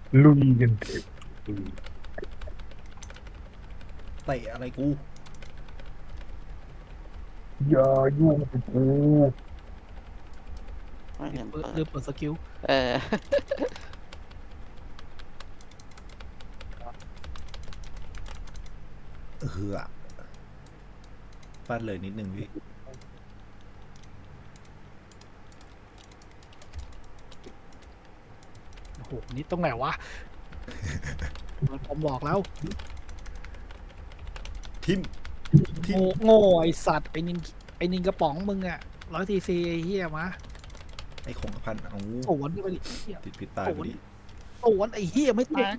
ลุยกันเถอะเตะอะไรกูอย่ายุ่งกับกูไม่เห็นเปิดลืมเปิดสกิลเออเออฟาดเลยนิดนึงพี่โอ้โหนี่ตรงไหนวะผมบอกแล้วทิมโง่โง่ไอสัตว์ไอนินกระป๋องมึงอะ100 ccไอเฮียมาไอ้คงกระพันเอาสวนไปดิเหี้ยติดพิษตายพอดีสวนไอเฮียไม่ตาย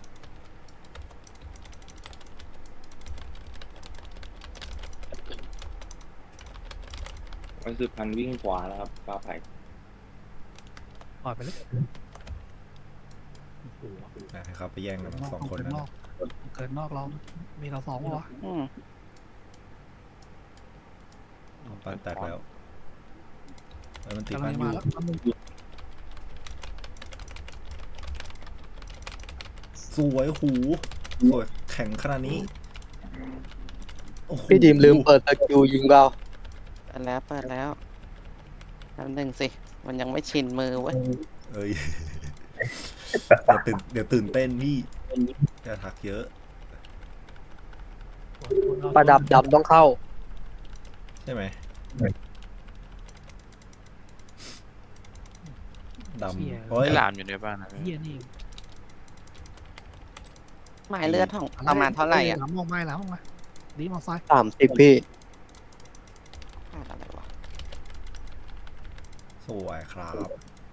มันคือพันวิ่งขวาแล้วครับฟ้าไผ่ปล่อยไปเลยโอ้โหให้เขาไปแย่งกันสองคนเกินั้นนอกเกินนอกเรา มีเราสองวะอืมปั้นแตกแล้วแล้วมันตีกำลัปั้งนอมายู่แล้วมันสวยหูสวยแข็งขนาดนี้โอ้โหพี่ดีมลืมเปิดสกิลยิงเปล่าเปิดแล้วแป๊บนึงสิ มันยังไม่ชินมือเว้ยเอ้ยเดี๋ยวตื่นเต้นพี่จะทักเยอะประดับดำต้องเข้าใช่ไหมดำโอ้ยไอ้หลามอยู่ในบ้านนะเฮียนี่หมายเลือดของประมาณเท่าไหร่อ่ะหลังมองไม่หลังมองมาดีมองซ้าย 30พี่ขาดอะไรวะสวยครับ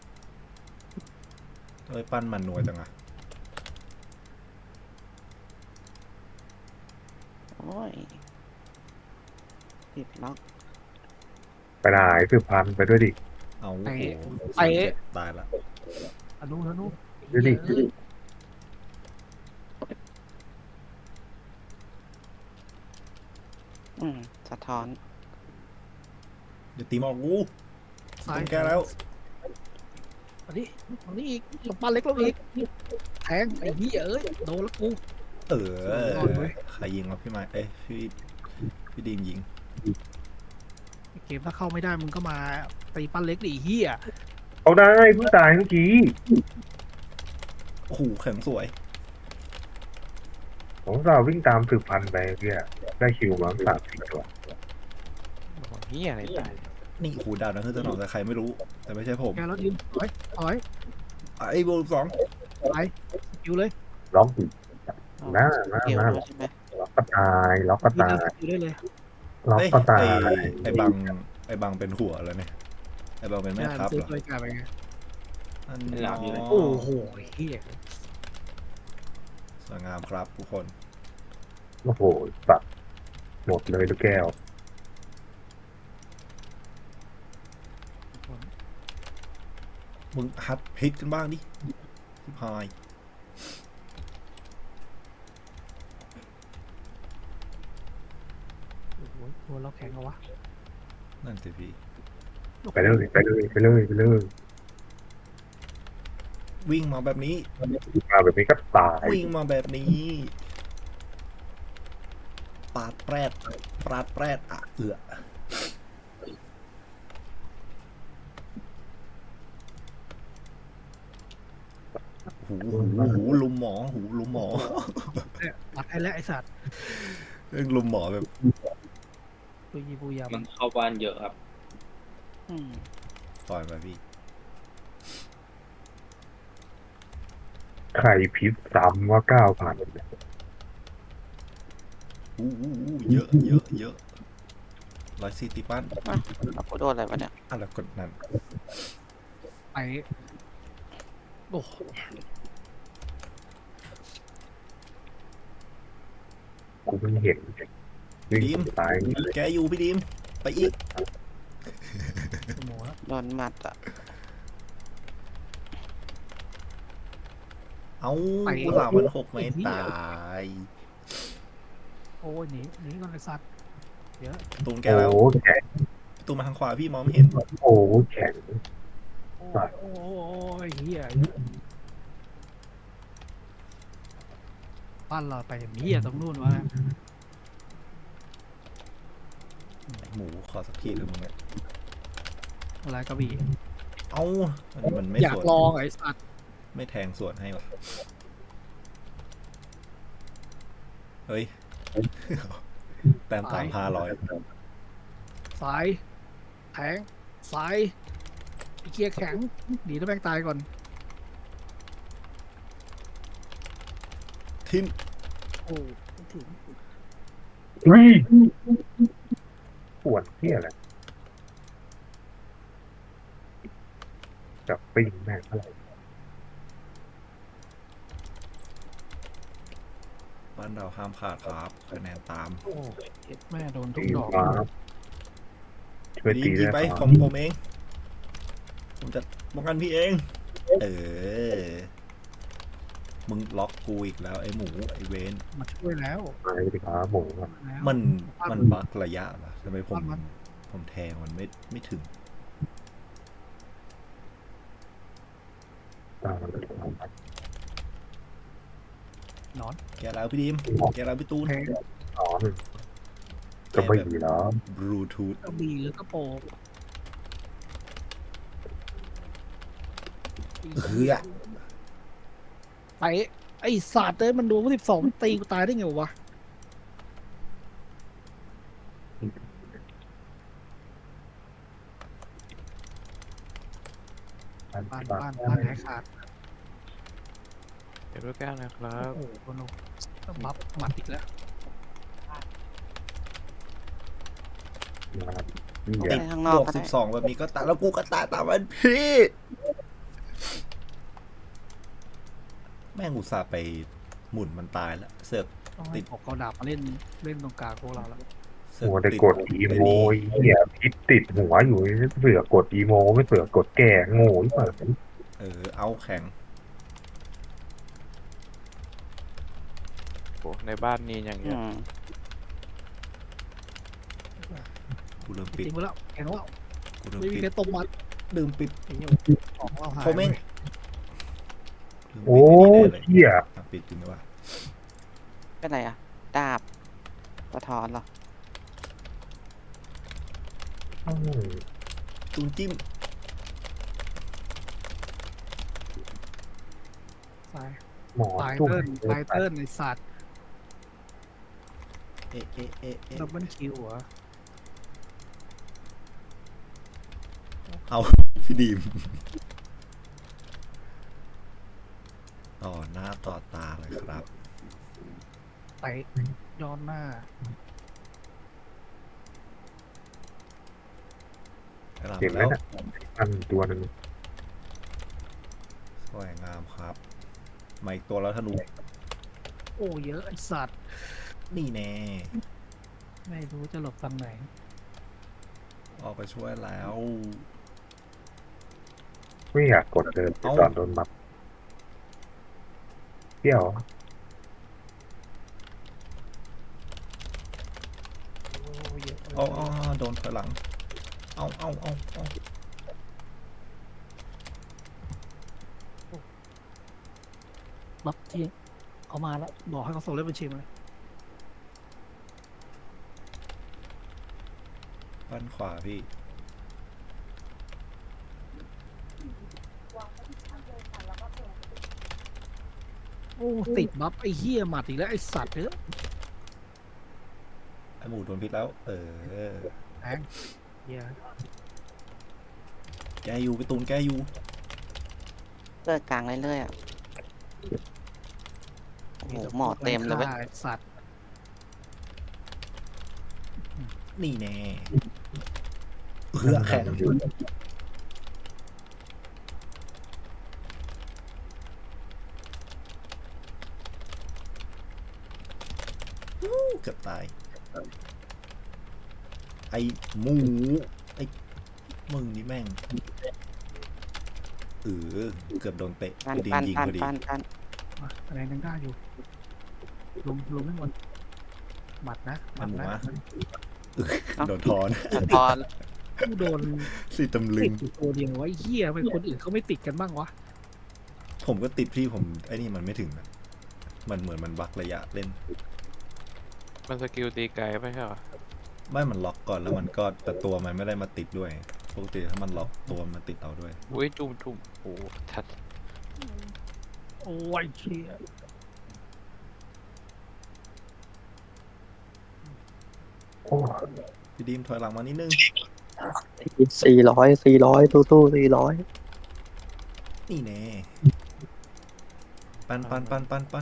เอ้ยปั้นมันหน่วยจังอะโอ้ยติดล็อกไปไหนสืบพันธุ์ไปด้วยดิเอาโอ้โหตายละอนุอนุดูดิอืมสะท้อนเดี๋ยวตีหมอกกูซ้ายต้องแก้แล้วอันนี้อันนี้อีกหลบบ้านเล็กแล้วอีกแทงไอ้เหี้ยเอ้ยโดนแล้วกูเอสุดยอดเว้อย ใครยิงวะพี่ไม้เอ้ยพี่ดีมยิงเกมถ้าเข้าไม่ได้มึงก็มาตีปั้นเล็กดิไอ้เหี้ยเอาได้เพิ่งตายเมื่อกี้โอ้โหแข็งสวยผมเราวิ่งตามสืบพันธุ์ไปเพี่ยได้คิวมา3-4ตัวเฮียอะไรตายนี่โอ้โหดาวนะคือสนองแต่ใครไม่รู้ แต่ไม่ใช่ผมแกแล้วยืนถอยถอยไอ้โบสองไปอยู่เลยล็อกอีกเอาหน้าเกี่ยวหน้าด้วยใช่ไหมล็อกก็ตายล็อกก็ยืนตาเลยยอยู่ได้เลยล็อกเอ้ยก็ตายไอ้บังเป็นหัวแล้วเนี่ยไอ้บังเป็นแม่ได้ทัพซื้อเหรอตัวกลายไปไงอันไม่หลามอยู่เลยโอ้โหไอ้เหี้ยสวยงามครับทุกคนโอ้โหสัตว์หมดเลยลูกแก้วมึงฮัดพิษกันบ้างดิชิบหายโอ้โหโดนเราแข็งเอาวะนั่นสิพี่ไปเลยไปเลยไปเลยไปเลยวิ่งมาแบบนี้มาแบบนี้ก็ตายวิ่งมาแบบนี้ปาดแปรดอ่ะหูลุมหมอลุมหมอเนี่ยตัดให้แล้วไอ้สัตว์เรื่องลุมหมอแบบปุยปุยยามับันงเข้าบ้านเยอะครับอืมปล่อยมาพี่ไข่พิษซ้ำว่า9,000 เยอะ140ตีปั้นอ่ะแล้วกูโดนอะไรวะเนี่ยอะไรกดนั่นไปโอ้โหกูเพิ่งเห็นวิ่งตายเลยแกอยู่พี่ดิมไปอีกหมอโดนหมัดอ่ะเอากูหลามัน6 ไม่ตายโอ้ยหนีก่อนไอ้สัตว์เดี๋ยวตูนแกโอ้แล้วโหแข็งตูนมาทางขวาพี่มองไม่เห็นโอ้โหแข็งโอ้ยเหี้ยบ้านเราไปอย่างนี้ตรงนู้นวะไอ้หมูขอสักทีเถอะมึงเนี่ยอะไรกระบี่เอ้าอันนี้มันไม่อยาสกวนลองไอ้สัตว์ไม่แทงสวนให้หรอเฮ้ย แต้ม3,500 สายแทงสายไอ้เกียร์แข็งดีถ้าแม่งตายก่อนทิ้นโอ้ไม่ถึงเฮ้ยปวดเที่ยอะไรจับปิ้งแม่งอะไรบ้านเราห้ามพลาดครับคะแนนตามโอ้เจ็ดแม่โดนทุตีกดอกครับช่วยดีตีดีได้ไปคขรัอบ งผมเอง ผมจะป้องกันพี่เอง เออ มึงล็อกกูอีกแล้วไอ้หมูไอ้เวนมาช่วยแล้วไปดิครับหมูครับแล้วมันบักระยะป่ะทำไมผมแทงมันไม่ถึงตามมันไปครับนอนแกแล้วพี่ดิมแกแล้วพี่ตูนแทงนอนจะไม่ดีแล้วบลูทูธกระบี่หรือกระโปรงเฮ้ยไปไอ้สัตว์เอ้ยมันโดน12มันตีกูตายได้ไงวะบ้านหายขาดเดี๋ยวด้วยแก้วนะครับโอ้โหโนบัฟหมัดอีกแล้วนะครับนี่ไปแย่ข้างนอบ กวกก็ได้ 12แบบนี้ก็ตายแล้วกูก็ตายตามมันพี่ แม่งอุตส่าห์ไปหมุนมันตายแล้วเสือกต้องให้ออกกระดาบมาเล่นตรงกลางพวกเราแล้วเสือกหัวแต่ติกดอีโมยเหี้ยพิษติดหัวอยู่เสือกกดอีโมไม่เสือกกดแก่โง่ที่เปิดเอาแข็งโอ้ในบ้านนี้อย่างเงี้อืยมกูเริ่มจปิดริงไปแล้วแข็งแล้วกูเริ่มไม่มีปิดใครตบมัดลืมปิดไอ้เหี้ยของเราหายเขาแม่ง ลืมโอ้ปิดไอ้นี่แน่เลยเหี้ยอ่ะปิดจริงไหมวะเป็นไรอ่ะ ดาบสะท้อนเหรออืมตูนจิ้มสายหมอตายจุ่มเติ้ลตายเติ้ลในสัตว์เอะเอะเอะเอะดับเบิลคิวเหรอเอาพี่ดีมต่อหน้าต่อตาเลยครับไปย้อนหน้ากระหเห็นล่ำไหมแล้วนะอันตัวหนึ่งสวยงามครับมาอีกตัวแล้วธนูโอ้เยอะไอสัตว์นี่แน่ไม่รู้จะหลบทางไหนออกไปช่วยแล้วไม่อยากกดเดินตอนโดนมัดเที่ยวโอ้เยอะเอาโดนถอยหลัง เอาบัฟที่เขามาแล้วบอกให้เขาส่งเลขบัญชีมาเลยบ้านขวาพี่โอ้ติดบัฟไอ้เหี้ยหมัดอีกแล้วไอ้สัตว์เอ้ยไอหมูโดนพิษแล้วแทงเหี้ยแกอยู่ไปตูนแกอยู่เลือดกลางเรื่อยๆอ่ะ โอ้โหหมอเต็มเลยเว้ยไอ้สัตว์นี่แน่แข็งเกือบตาย ไอหมู ไอมึงนี่แม่งเกือบโดนเตะปันกูดีปันยิงปันพอดีปันปันมาอะไรยังได้อยู่ลงไม่หมดหมัดนะหไอมัดหมูนะวะโดนทอนสะท้อนกูโดนสิตำลึติงดอยู่ตัวเดียวไว้เหี้ยทำไมคนอื่นเขาไม่ติดกันบ้างวะผมก็ติดพี่ผมไอ้นี่มันไม่ถึงอะเหมือนมันบักระยะเล่นมันสกิลตีไกลไม่ใช่เหรอไม่มันล็อกก่อนแล้วมันก็แต่ตัวมันไม่ได้มาติดด้วยปกติถ้ามันล็อกตัวมันติดเอาด้วยอุ้ยจุ่มโอ้ทัดโอ้ยเชี่ยโอ้พี่ดีมถอยหลังมานิดนึง 400ตู้400 นี่แน่ปั้น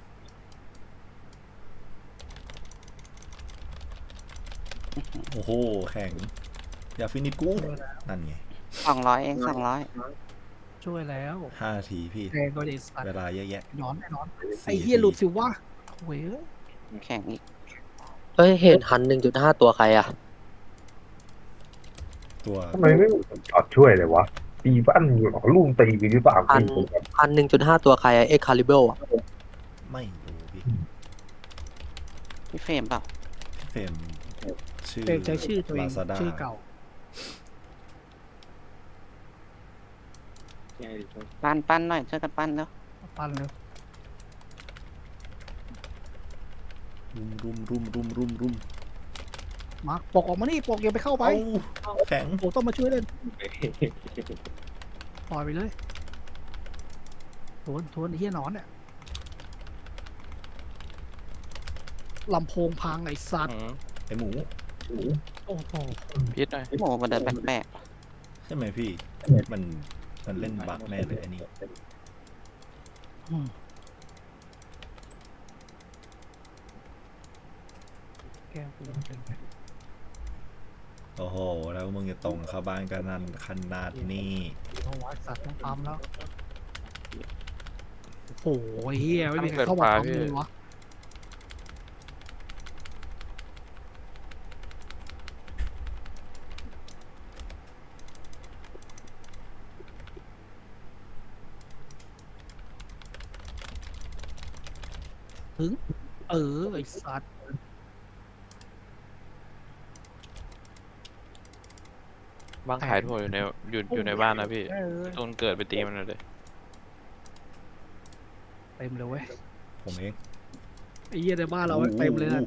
โอ้โหแข่งอย่าฟินิชกูนั่นไง 200 เอง200 ช่วยแล้ว 5 นาทีพี่แทงก็ได้สัตเวว์ลาเยอะแยะนอนแน่นอน 4 ไอ้เหี้ยหลุดสิวะโว้ยแข่งอีกเฮ้ย เห็นหัน 1.5 ตัวใครอ่ะตัวทำไมไม่จอดช่วยเลยวะตีบ้านอยู่หรอลุงตีไปหรือเปล่าหัน 1.5 ตัวใครอะ Excalibur อ่ะไม่รู้พี่พี่เฟรมเปล่าเฟรมชื่อเองใช้ชื่อตัวเอง Lazada ชื่อเก่าใช่ดิครับปั้นหน่อยช่วยกันปั้นแล้วปั้นเลยรุมมาร์คปกออกมานี่ปกอย่าไปเข้าไปเอาแข็งปกต้องมาช่วยเล่นปล่อยไปเลยทวนไอ้เหี้ยหนอนเนี่ยลำโพงพังไอ้สัตว์ไอหมูโอ้โหพิษหน่อยโอ้มันเดินแปลกใช่ไหมพี่ มันเล่นบักแน่เลยอันนี้แก้วกูเป็นไงโอ้โห แล้วมึงจะตรงเข้าบ้านกันนั่นขนาดนี้เอาไว้สัตว์ต้องปั๊มแล้วโอ้โหเฮียไม่มีใครเข้ามาปั๊มเลยวะถึงไอ้สัตว์บ้างขายถั่วอยู่ในบ้านนะพี่ต้นเกิดไปตีมันเลยเต็มเลยเว้ยผมเองไอ้เหี้ยในบ้านเราเต็มเลยนะ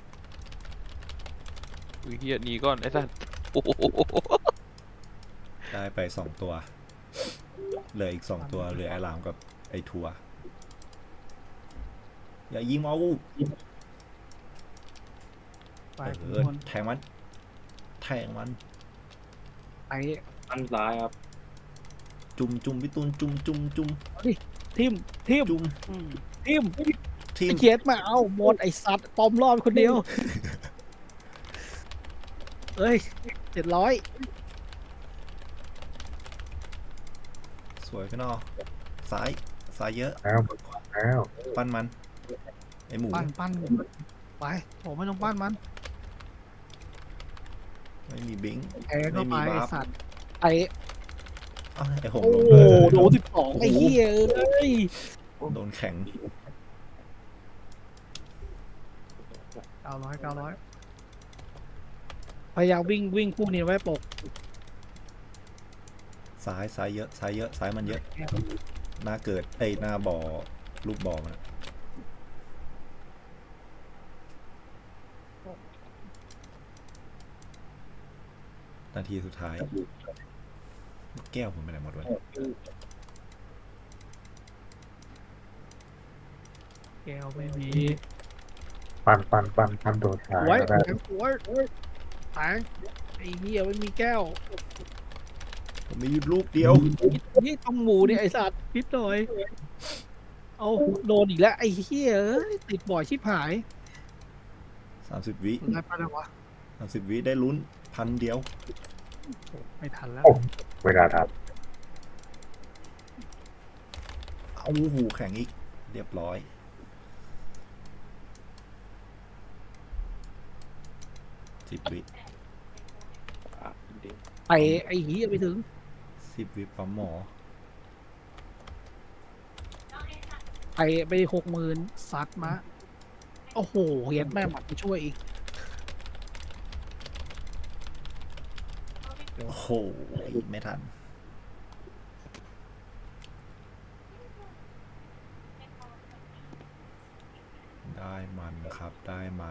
อุ้ยเฮียหนีก่อนไอ้สัสโอ้โหได้ไป2 ตัว เหลืออีก 2 ตัว เหลือไอรามกับไอทัว อย่ายิงเอาไปแทงมันไปอันซ้ายครับจุ่มพี่ตูนจุ่มทิมจุ่มทิมทีไอ้มเขียดมาเอาหมดไอ้สัตว์ปอมรอบคนเดียวเอ้ย700 สวยพี่นอซ้ายเยอะแล้วปั้นมัน ไอหมูปั้นไปผมไม่ต้องปั้นมันไม่มีบิงค์แทงเข้าไปไม่มีไอ้วาร์ปสัตว์ไอ้อ้าวไอหงโอ้ลงเลยโดน12ไอ้เหี้ยเอ้ยโดนแข็ง 900พยายามวิ่งคู่นี้ไว้ปกซ้ายเยอะซ้ายมันเยอะ หน้าเกิดหน้าบ่อลูกบ่อมันนาทีสุดท้าย แก้วผมไปไหนหมดวะแก้วไม่มีปั้นโดนท้ายไว้แล้วได้แทงไอ้เหี้ยไม่มีแก้วผมมีลูกเดียวนี่ต้องหมูเนี่ยไอ้สัตว์นิดหน่อยเอาโดนอีกแล้วไอ้เหี้ยเอ้ยติดบ่อยชิบหาย 30 วิได้ปะเนี่ยวะ 30 วิได้ลุ้น1,000 เดียวไม่ทันแล้วเวลาทันเอาหูแข็งอีก เรียบร้อย 10 วิอ่ะดีไปไอ้เหี้ยไปถึง 10 วิปั๊มหมอไป60,000ซัดมาโอ้โหเฮียแม่หมัดมาช่วยอีกโอ้โห ไม่ทันได้มันครับได้มัน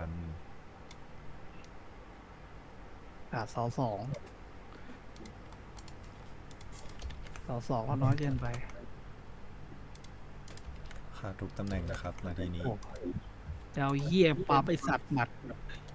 เสาสองก็น้อยเกินไปขาดทุกตำแหน่งนะครับนาทีนี้โอ้เจ้าเหี้ยปลาไปสัตว์หมัด